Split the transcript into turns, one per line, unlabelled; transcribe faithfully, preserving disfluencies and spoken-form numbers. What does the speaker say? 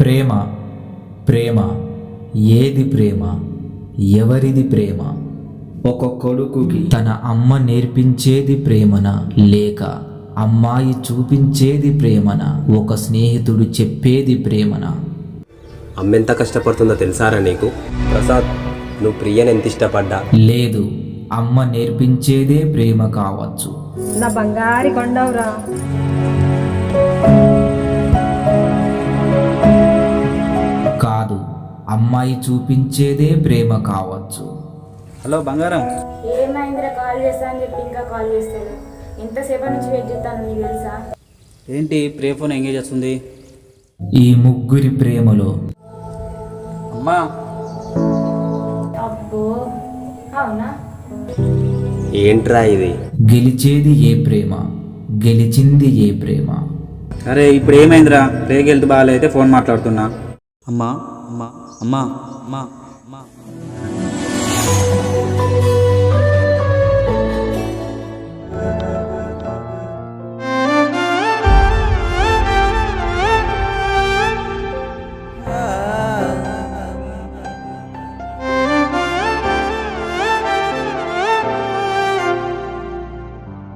ప్రేమ ప్రేమ ఏది ప్రేమ? ఎవరిది ప్రేమ? ఒక కొడుకుకి తన అమ్మ నేర్పించేది ప్రేమన, లేక అమ్మాయి చూపించేది ప్రేమన, ఒక స్నేహితుడు చెప్పేది ప్రేమన?
అమ్మెంత కష్టపడుతుందో తెలుసారా నీకు? ప్రసాద్, నువ్వు ప్రియని ఎంత ఇష్టపడ్డా?
లేదు, అమ్మ నేర్పించేదే ప్రేమ కావచ్చు.
నా బంగారి కొండవురా.
కాదు, అమ్మాయి చూపించేదే ప్రేమ కావచ్చు.
హలో బంగారం.
ఏమైందిరా, కాల్ చేస్తా అని చెప్పి ఇంకా కాల్ చేస్తాను. ఎంతసేపటి నుంచి వెయిట్ చేస్తాను నీకు తెలుసా?
ఏంటి ప్రే ఫోన్ ఎంగేజ్ వస్తుంది?
ఈ ముగ్గురి ప్రేమలో
అమ్మా.
అబ్బో, అవునా?
ఏంట్రా ఇది?
గెలిచేది ఏ ప్రేమ, గెలిచింది ఏ ప్రేమ?
అరే ఇప్పుడు ఏమైందిరా? ప్రేకి వెళ్తూ బాగాలైతే ఫోన్ మాట్లాడుతున్నా. అమ్మా అమ్మా అమ్మా అమ్మా